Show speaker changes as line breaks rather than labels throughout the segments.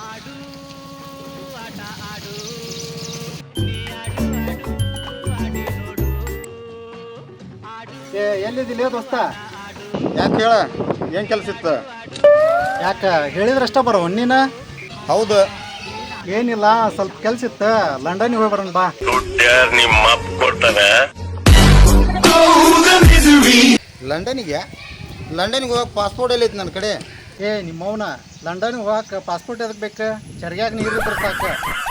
ಆಡು ಆಟ ಆಡು ನೀ ಆಡು ಆಡು ಆಡಿ ನೋಡು ಆಡು
ಎಲ್ಲಿದ್ದಿಲ್ಲ ದೋಸ್ತ?
ಯಾಕೆ ಹೇಳ, ಏನು ಕೆಲಸ ಇತ್ತು?
ಯಾಕೆ ಹೇಳಿದ್ರಷ್ಟ ಬರೋ ನೀನು?
ಹೌದು.
ಏನಿಲ್ಲ, ಸ್ವಲ್ಪ ಕೆಲ್ಸ ಇತ್ತು, ಲಂಡನ್ಗೆ ಹೋಗಿ ಬರೋಣ ಬಾ.
ಲಂಡನಿಗೆ ಹೋಗಕ್ಕೆ ಪಾಸ್ಪೋರ್ಟ್ ಎಲ್ಲೈತಿ ನನ್ನ ಕಡೆ.
ನಿಮ್ಮವನ ಲಂಡನ್ಗೆ ಹೋಗಕ್ಕೆ ಪಾಸ್ಪೋರ್ಟ್ ಎದಕ್ಕೆ ಬೇಕು? ಚರ್ಗ್ಯಾಗ ನೀರು ಇದ್ರೆ ಸಾಕು.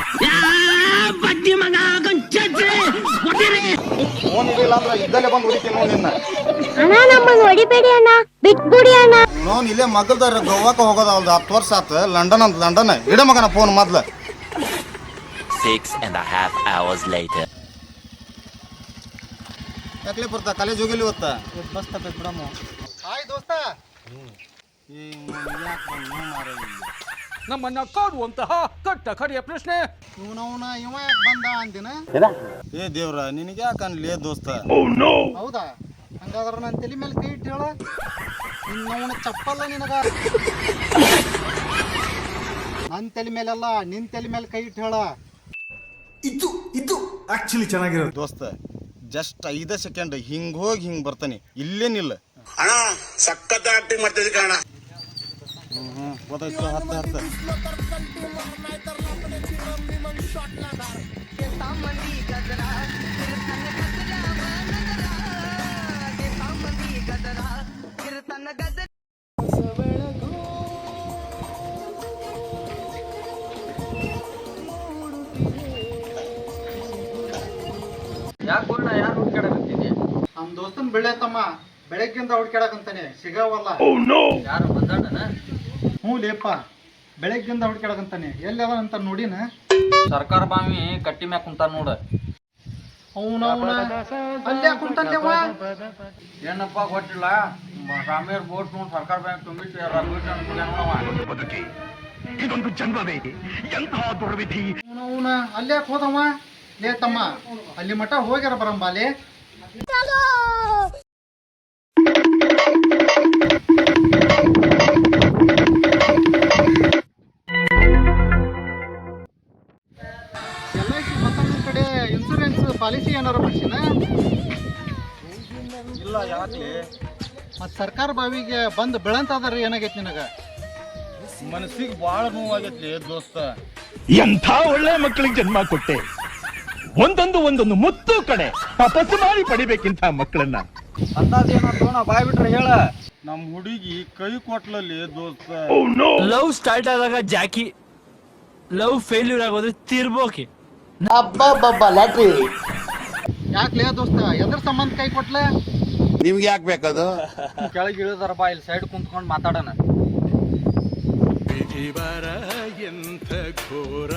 ಫೋನ್ ಇದಿಲ್ಲ ಅಂದ್ರೆ ಇದ್ದಲ್ಲೇ ಬಂದು ಹೊಡಿತೀನಿ ನೋಡಿ ನಿನ್ನ.
ಅಣ್ಣ ನಮ್ಮನ್ನು ಹೊಡಿಬೇಡಿ ಅಣ್ಣ, ಬಿಟ್ಬಿಡಿ ಅಣ್ಣ.
ನೋನ್ ಇಲ್ಲೇ ಮಗಲ್ದಾರ ಗೋವಾಕ್ಕೆ ಹೋಗೋದಲ್ದು 10 ವರ್ಷ ಆತು. ಲಂಡನ್ ಅಂತ ಲಂಡನ್ ಇಡ ಮಗನ ಫೋನ್ ಮೊದ್ಲು.
6.5 hours later.
ಯಾಕಲೇ ಬರ್ತಾ ಕಾಲೇಜ್ ಹೋಗಿಲ್ಲ ಇವತ್ತ?
ಬಸ್ ತಪ್ಪೈತೆ ಬಿಡಮ್ಮ. ಹಾಯ್ ದೋಸ್ತ.
ನಮ್ಮನ್ನ ಕಾಡುವಂತಹ ಕಟ್ಟ ಕಡೆಯ ಪ್ರಶ್ನೆ.
ಇವನವನ ಇವ ಯಾಕೆ ಬಂದ ಅಂದಿನ?
ಏ ದೇವ್ರ, ನಿನಗೆ ಯಾಕೆ ಅನ್ಲೇ ದೋಸ್ತ?
ಹೌದಾ? ಹಂಗಾದ್ರೆ ನನ್ನ ತಲೆ ಮೇಲೆ ಕೈ ಇಟ್ಟು ಹೇಳ. ನಿನ್ನವನ ಚಪ್ಪಲ್ಲ ನಿನಗ. ನನ್ನ ತಲೆ ಮೇಲೆಲ್ಲ ನಿನ್ನ ತಲೆ ಮೇಲೆ ಕೈ ಇಟ್ಟು ಹೇಳ.
ಇದು ಆಕ್ಚುಲಿ ಚೆನ್ನಾಗಿರೋದು
ದೋಸ್ತ. ಜಸ್ಟ್ 5 ಸೆಕೆಂಡ್ ಹಿಂಗ್ ಹೋಗಿ ಹಿಂಗ್ ಬರ್ತಾನೆ, ಇಲ್ಲೇನಿಲ್ಲ.
ಅಣ್ಣ ಸಖತ್ ಆಕ್ಟಿಂಗ್ ಮಾಡ್ತಿದ್ದೆ ಕಣ.
ಗೊತ್ತಾಯ್ತು. ಹತ್ತ
ಯಾಕೆ ಬೋಣ, ಯಾರು ಹುಡ್ಕಾಡಕತ್ತೀನಿ?
ನಮ್ಮ ದೋಸ್ತನ ಬೆಳೆಯತ್ತಮ್ಮ ಬೆಳಗ್ಗಿಂದ ಹುಡ್ಕ್ಯಾಡಕಂತಾನೆ, ಸಿಗವಲ್ಲ.
ಯಾರು ಬಂದಾಡನ?
ಹ್ಞೂ ಲೇಪ, ಬೆಳಗ್ಗಿಂದ ಹುಡ್ಕ್ಯಾಡಕಂತಾನೆ. ಎಲ್ಲಿ ಅದ ಅಂತ ನೋಡಿನ?
ಸರ್ಕಾರ ಬಾವಿ ಕಟ್ಟಿ ಮ್ಯಾಗ ಕುಂತಾನ ನೋಡ.
ಅವನವನ ಅಲ್ಲೇ ಕುಂತಲ್ಲೇವ.
ಏನಪ್ಪ ಗೊತ್ತಿಲ್ಲ, ರಾಮೇರ್ ಬೋಟ್ ನೋಡಿ ಸರ್ಕಾರ ಬ್ಯಾಂಕ್ ತುಂಬಿಟ್ಟು
ಅವನವನ ಅಲ್ಲೇ ಹೋದವ. ಲೇ ತಮ್ಮ, ಅಲ್ಲಿ ಮಠ ಹೋಗ್ಯಾರ ಬರಂಬಾಲೆ. LIC ಮತ್ತೊಂದು ಕಡೆ ಇನ್ಸೂರೆನ್ಸ್ ಪಾಲಿಸಿ ಏನಾರ ಮಾಡಿಸಿನ?
ಇಲ್ಲ. ಯಾಕೆ
ಮತ್ತು ಸರ್ಕಾರ ಬಾವಿಗೆ ಬಂದು ಬೆಳಂತದಾರ ಏನಾಗೈತಿ ನಿನಗ?
ಮನಸ್ಸಿಗೆ ಭಾಳ ನೋವಾಗೈತಿ ದೋಸ್ತ.
ಎಂಥ ಒಳ್ಳೆ ಮಕ್ಕಳಿಗೆ ಜನ್ಮ ಕೊಟ್ಟೆ. ಒಂದೊಂದು ಮುತ್ತು ಕಡೆ ತಪಸ್ಸು ಮಾಡಿ ಪಡಿಬೇಕಿಂತ ಮಕ್ಕಳನ್ನ.
ಅಂದಾಜೇನಂತ ನಾ ಬಾಯ್ ಬಿಟ್ರೆ ಹೇಳ.
ನಮ್ಮ ಹುಡುಗಿ ಕೈ ಕೊಟ್ಲಲ್ಲಿ ದೋಸ್ತ.
ಲವ್ ಸ್ಟಾರ್ಟ್ ಆದಾಗ ಜಾಕಿ, ಲವ್ ಫೇಲ್ಯೂರ್ ಆಗೋದು ತಿರ್ಬೋಕೆ.
ಯಾಕ್ಲೇ ದೋಸ್ತ, ಎದ್ರ ಸಂಬಂಧ ಕೈ ಕೊಟ್ಲೆ?
ನಿಮ್ಗೆ ಯಾಕೆ ಬೇಕದು?
ಕೆಳಗೆ ಇಳಿದಾರ ಬಾ, ಇಲ್ಲಿ ಸೈಡ್ ಕುಂತ್ಕೊಂಡು ಮಾತಾಡೋಣ.
ವಿಧಿವರ ಎಂಥ ಘೋರ,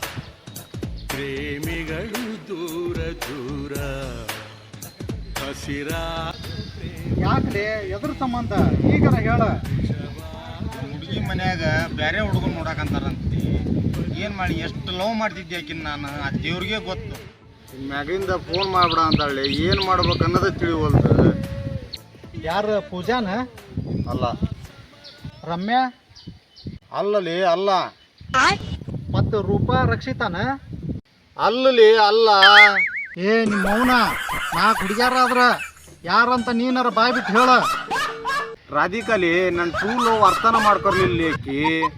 ಪ್ರೇಮಿಗಳು ದೂರ ದೂರ ಹಸಿರ.
ಯಾಕ್ಲೇ, ಎದ್ರ ಸಂಬಂಧ ಈಗರ ಹೇಳ.
ಹುಡುಗಿ ಮನ್ಯಾಗ ಬೇರೆ ಹುಡುಗನ್ ನೋಡಕಂತಾರಂತಿ. ಏನ್ ಮಾಡಿ ಎಷ್ಟು ಲವ್ ಮಾಡ್ತಿದ್ದೆ ಆಕಿನ್ ನಾನು, ಆ ದೇವ್ರಿಗೆ ಗೊತ್ತು. ಮ್ಯಾಗಿಂದ ಫೋನ್ ಮಾಡ್ಬಿಡ ಅಂತಾಳೆ. ಏನ್ ಮಾಡ್ಬೇಕು ಅನ್ನೋದೇ ತಿಳಿವಲ್ದು.
ಯಾರ ಪೂಜಾನ?
ಅಲ್ಲ.
ರಮ್ಯಾ?
ಅಲ್ಲಲಿ ಅಲ್ಲ.
ಮತ್ತು ರೂಪಾ ರಕ್ಷಿತಾನ?
ಅಲ್ಲಲಿ ಅಲ್ಲ.
ನಿಮ್ಮ ಮೌನ 4 ಹುಡುಗ್ಯಾರ ಆದ್ರ ಯಾರಂತ ನೀನಾರ ಬಾಯ್ ಬಿಟ್ಟು ಹೇಳ.
ರಾಧಿಕಾಲಿ ನನ್ನ ಟ್ರೂ ಲವ್ ಅರ್ಥನ ಮಾಡ್ಕೊರ್ಲಿಲ್ಲ ಆಕಿ.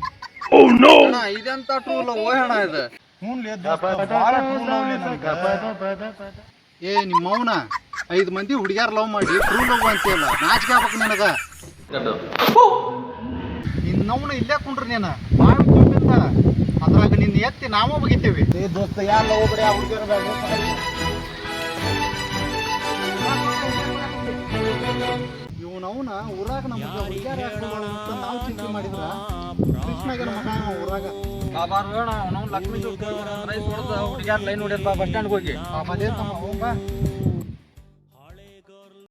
ಇದೆಂತ ಟ್ರೂ ಲವ್ ಓಹಣ ಇದು?
ನಿಮ್ಮ ಮೌನ 5 ಮಂದಿ ಹುಡುಗ್ಯಾರ ಲವ್ ಮಾಡಿ ಟ್ರೂ ಲವ್ ಅಂತೀಯಲ್ಲ, ನಾಚಿಕೆ ಆಗ್ಬೇಕು ನಿನಗ. ನಿನ್ನವನ ಇಲ್ಲೇ ಕುಂಡ್ರಿ ನೀನು ಬಾಳ ತುಂಬಿಂದ. ಅದ್ರಾಗ ನಿನ್ನ ಎತ್ತಿ ನಾವೂ ಬಗಿತೀವಿ.
ದೋಸ್ತ ಯಾರ ಲವ್ ಬಿಡಿ, ಆ ಹುಡುಗಿಯರ
ಇವನವನ ಊರಾಗ ನಮ್ಗೆ ಹುಡುಗ್ಯಾರ ಅಂತ ನಾವು ಚಿಂತೆ ಮಾಡಿದ್ರ ಕೃಷ್ಣಗನ ಮಗ ಊರಾಗ.
ಬಾಬಾರ್ ಬೇಡ, ಅವನವ್ನು ಲಕ್ಷ್ಮೀ ರೈಸ್ ಹೊಡೆದ ಹುಡುಗ್ಯಾರ ಲೈನ್ ಹೊಡಿಯಪ್ಪ ಬಸ್ ಸ್ಟ್ಯಾಂಡ್ಗೆ ಹೋಗಿ.
ಬಾಬಾ ತಮ್ಮ ಹೋಗ.